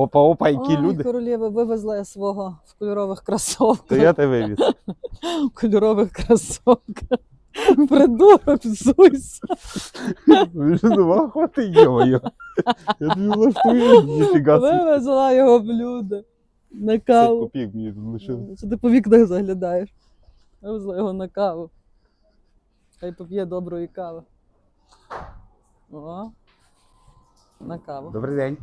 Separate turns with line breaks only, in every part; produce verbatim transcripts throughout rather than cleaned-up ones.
Опа-опа, які
Ой,
люди.
королева, вивезла я свого в кольорових кросовках.
То я тебе вивіз.
В кольорових кросовках. Придурок, взуйся.
Ви що думав, хвати йо-йо. Я тобі влаштую, ніфіга собі.
Вивезла його в люди. На
П'ять
каву.
копійок мені тут лишили.
Що ти по вікнах заглядаєш? Вивезла його на каву. Хай поп'є доброї кави. О, на каву.
Добрий день.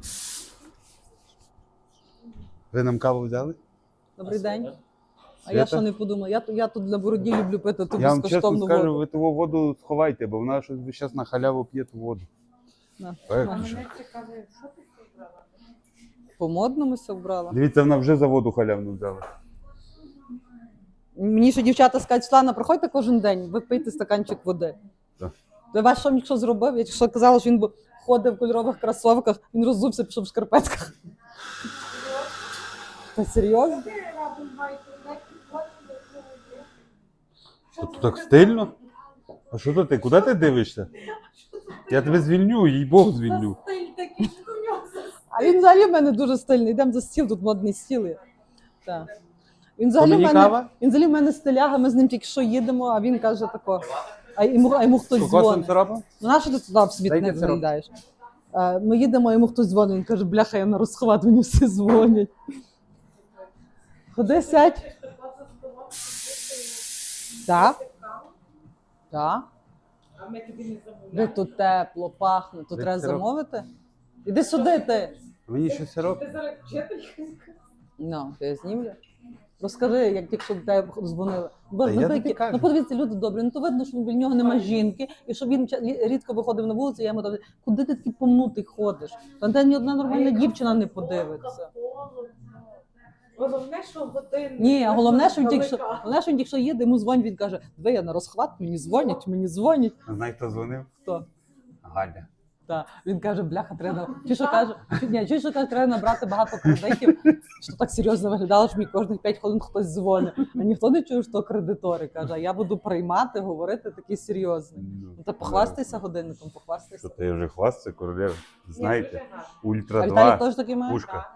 Ви нам каву взяли?
Добрий день. А
Свята?
я що не подумала? Я, я тут для бороді люблю пити ту
Я вам чесно
безкоштовну
скажу,
воду.
ви ту воду сховайте, бо вона щось зараз на халяву п'є ту воду.
На,
Так,
на.
що?
По модному все вбрала.
Дивіться, вона вже за воду халявну взяла.
Мені ще дівчата скажуть, Світлана, приходьте кожен день, ви пийте стаканчик води.
Так.
То ваш що що зробив? Я що казала, що він б ходив в кольорових кросовках, він роззувся, пішов в шкарпетках. Та серйозно?
То тут так стильно? А що то ти? Куди ти дивишся? Я тебе звільню, їй Бог звільню.
А він взагалі в мене дуже стильний. Йдемо за стіл, тут модний стіл є. Так. Він взагалі, в
мені
мене,
кава?
він взагалі в мене стиляга, ми з ним тільки що їдемо, а він каже тако. А йому, а йому хтось
З кокосом
дзвонить.
сиропом?
Ну нащо ти туди в смітник
Дайте сироп.
заїдаєш? Е, Ми їдемо, а йому хтось дзвонить, він каже, бляха, я на розхват, мені всі дзвонять. Ходи, сядь. Так? Так?
А ми тобі не замовляємо.
Де тут тепло, пахне, тут
Де
треба
сироп?
замовити? Іди сюди ти.
Мені ще сироп?
Ти зараз вчителька.
Ну, я знімлю. Розкажи, як тільки що до тебе дзвонили. Бо,
Та я
ви
тобі
такі-
кажу.
ну подивіться, люди добрі. Ну то видно, що біля нього немає жінки, і що він ча- лі- рідко виходив на вулицю, я йому кажу, куди ти такий помнутий ходиш? Та де ні одна нормальна дівчина не подивиться.
Головне, що годинник.
Ні, а головне, що він тільки що,
Далека.
головне, що він тільки що їде, йому дзвонить, він каже, диви, я на розхват, мені дзвонять, мені дзвонять.
Знаєш, хто дзвонив?
Хто?
Галя.
Та він каже, бляха, треба. Чи що каже, чи, ні, чи що каже, треба набрати багато кредитів, що так серйозно виглядало, що мені кожних п'ять хвилин хтось дзвонить. А ніхто не чує, що кредитори. Каже, а я буду приймати, говорити такий серйозний. Ну та похвастайся годинником, похвастайся.
Що ти вже хвастся, королева? Знаєте, Ультра
А Віталій
два,
теж такий має?
пушка.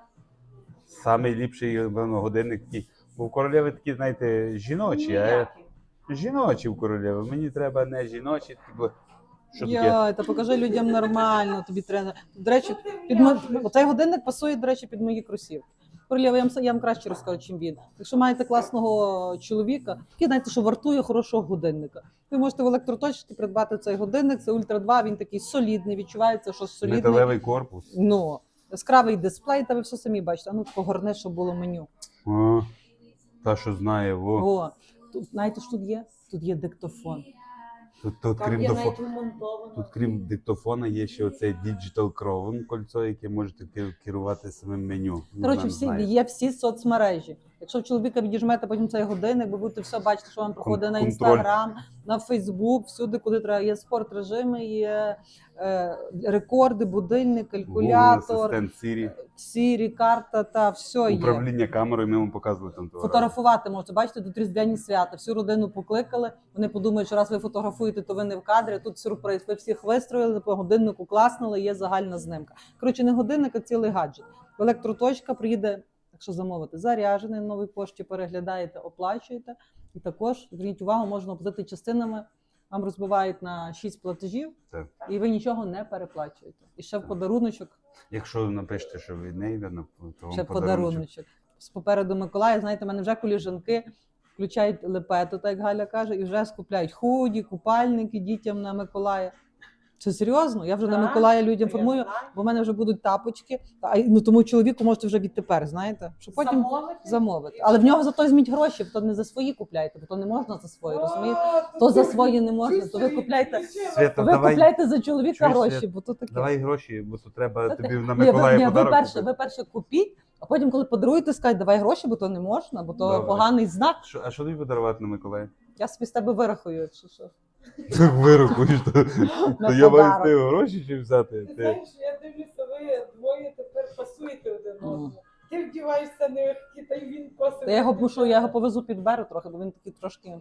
Самий ліпший, напевно, годинник такий. Бо в королеви такі, знаєте, жіночі, а я- жіночі в королеви. Мені треба не жіночі, бо що таке?
Йой, та покажи людям нормально, тобі треба. До речі, під мо... оцей годинник пасує, до речі, під мої кросівки. Королєва, я вам, я вам краще розкажу, чим він. Якщо маєте класного чоловіка, який, знаєте, що вартує хорошого годинника. Ви можете в електроточці придбати цей годинник, це Ультра два, він такий солідний, відчувається, що солідний.
Металевий корпус.
Ну, яскравий дисплей, та ви все самі бачите. А ну тако горне, щоб було меню.
О, та, що знає, во.
О, тут, знаєте, що тут є? Тут є диктофон.
Тут, тут,
Там
крім
є
дофо...
навіть вмонтовано.
тут, крім диктофона, є ще оцей Digital Crown кольцо, яке можете ки- керувати самим меню. Ну,
Коротше,
нам
всі,
знає.
є всі соцмережі. Якщо в чоловіка відіжмете потім цей годинник, ви будете все бачити, що вам проходить на
контроль.
інстаграм, на Фейсбук, всюди, куди треба. Є спорт режими, є е, рекорди, будильник,
Google
калькулятор,
Assistant, Siri,
Сірі, карта та все є.
управління камерою, ми вам показували там того разу.
Фотографувати можете, бачите, тут різдвяні свята. Всю родину покликали. Вони подумають, що раз ви фотографуєте, то ви не в кадрі. Тут сюрприз. Ви всіх вистроїли, по годиннику класнули, є загальна знимка. Коротше, не годинник, а цілий гаджет. Електроточка приїде, якщо замовити, заряджений на новій пошті, переглядаєте, оплачуєте. І також, зверніть увагу, можна оплатити частинами. Вам розбивають на шість платежів,
Так.
і ви нічого не переплачуєте. І ще в подаруночок.
Якщо напишете, що ви не йде, то вам
Ще
подарунок.
подаруночок. З попереду Миколая, знаєте, в мене вже коліжанки включають лепету, так як Галя каже, і вже скупляють худі, купальники дітям на Миколая. Це серйозно? Я вже на
Так,
Миколая людям
то я
формую,
знаю.
бо в мене вже будуть тапочки. А, ну тому чоловіку можете вже відтепер, знаєте, що потім
Замовити?
замовити. Але в нього зато візьміть гроші, бо то не за свої купляйте, бо то не можна за свої, розумієте?
О,
То за
ти
свої не можна, то ви
чистий
купляйте.
дівчина.
Свята,
Ви
давай,
купляйте за чоловіка
Чуєш,
гроші,
Свят?
бо то таке.
давай гроші, бо то треба
Та ти-
тобі на
Ні, ви,
Миколая
ні, ви
подарок
перше,
купити.
ви перше купіть, а потім, коли подаруєте, скажіть, давай гроші, бо то не можна, бо то
Добре.
поганий знак.
Що, а що тобі подарувати на Миколая?
Я собі з тебе вирахую, якщо що.
Так вирахуєш, то,
На
то я маю з
подарок.
тебе гроші чи взяти?
Ти
Ти...
знаєш, я дивлюся, ви двоє тепер пасуєте один
Мгм.
одному. Ти вдіваєшся нелегкі, та й він косить.
Та я його мушу, я його повезу підберу трохи, бо він такий трошки.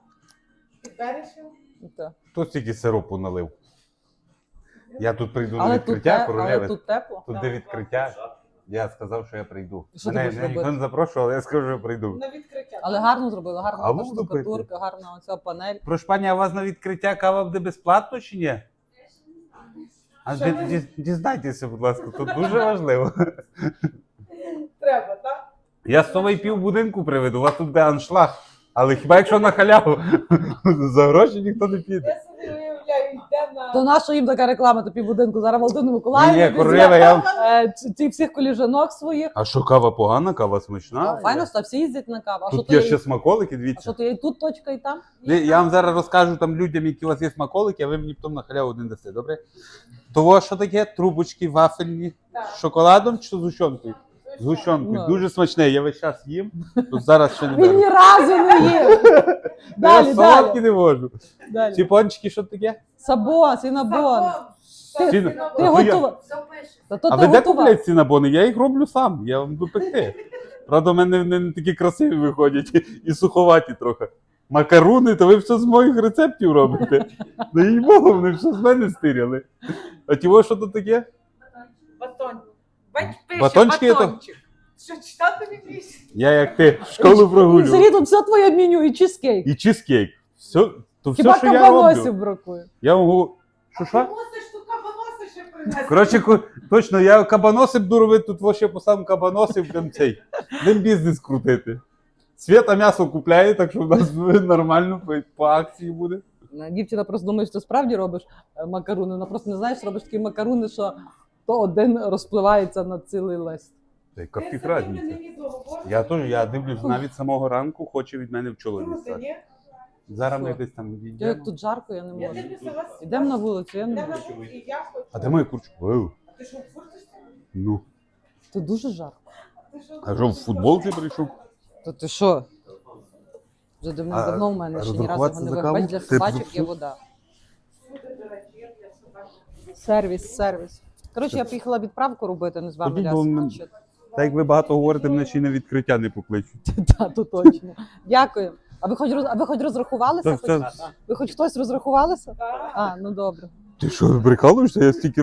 Підбереш його?
ну, та.
Хто стільки сиропу налив? Я тут прийду на
Але, тут,
відкриття
те, але
королеви.
тут тепло.
Тут де відкриття. Я сказав, що я прийду.
Що ти
Мене,
будеш
мене ніхто
робити?
не запрошував, але я скажу, що я прийду.
На відкриття.
Але гарно зробили, гарна
Каву
та
вступити?
штукатурка, гарна оця панель.
Прошу пані, а у вас на відкриття кава буде безплатно чи ні? А
Що
ді-
ви?
ді- дізнайтеся, будь ласка, тут дуже важливо.
Треба, так?
Я з того і пів будинку приведу, у вас тут буде аншлаг. Але хіба якщо на халяву, за гроші ніхто не піде.
Я собі уявляю, йде на...
То наша їм така реклама, то півбудинку. Зараз Володимир
Ні,
Миколаївна
королева, я...
е, ці- ці всіх коліжанок своїх.
А що, кава погана, кава смачна?
Файно, що всі їздять на каву. А що
Тут
то
є
є?
ще смаколики,
А що
дивіться.
то є і тут точка, і там?
Ні, Я вам зараз розкажу там людям, які у вас є смаколики, а ви мені потім на халяву один дасте, добре? Того, що таке? Трубочки вафельні
Так.
з шоколадом чи з гущонкою? З гущонкою.
Ну.
Дуже смачне, я весь час їм, тут зараз ще не
Він ні
беру.
разу не їв. Далі,
Я солодкі
далі.
не можу. Ці
далі.
пончики, що таке?
Сабон, синабон.
Ти,
Ти-
Ти
то я-
готова.
Все пише.
Та то
А
ти
ви де
готова.
купляєте ці набони? Я їх роблю сам, я вам буду пекти. Правда, в мене вони не такі красиві виходять і суховаті трохи. Макаруни, то ви все з моїх рецептів робите. Ну їй Богу, вони все з мене стиряли. А ті, що тут таке?
Батон. Бать пише
Батончики є то-
батончик. Що читати не вмієш?
Я як ти в школу
Сергій,
прогулював.
тут все твоє меню і чизкейк.
І чизкейк. Все, то все,
Хіба
що я
кабаносів
роблю.
бракує.
Я вам говорю, що що?
Ти мусиш ту кабаноси ще принести.
Коротше, ко- точно, я кабаноси буду робити, тут во ще поставимо кабаноси, будемо цей, будемо бізнес крутити. Свята м'ясо купляє, так що в нас нормально по, по акції буде.
Дівчина просто думає, що ти справді робиш е, макаруни. Вона просто не знає, що робиш такі макаруни, що то один розпливається на цілий лист.
Та
Ти
Капі
собі
разниця.
не відео говориш?
Я теж, я дивлюсь, навіть самого ранку хоче від мене в чоловік
Круто,
стати.
ні?
Зараз ми
Що?
десь там
Я як
відійдемо.
тут жарко, я не
Я
можу.
дивлюся вас.
Ідемо на вулицю, я не
Йдемо
можу.
на вулицю, і я хочу.
А де моя курчка? Вау.
А ти що, в фурточці?
Ну.
Тут дуже жарко.
Ти що,
А що, в футболці прийшов?
То ти що? Вже давно,
А
давно в мене ще ні разу його
розрахуватися
не
за
виграв.
каву?
Для
Ти
собачок
б-
є вода.
Всюди, до речі, є для собак.
Сервіс, сервіс. Коротше, я поїхала відправку робити, не з вами
Ходіть, бо ми-
лясти.
Так як ви багато говорите, мене ще й на відкриття не покличуть.
Так, то точно. Дякую. А ви хоч роз- а ви хоч розрахувалися?
Так,
Хоч-
це-
Ви хоч хтось розрахувалися?
Так.
А, ну добре.
Ти що, прикалуєшся? Я стільки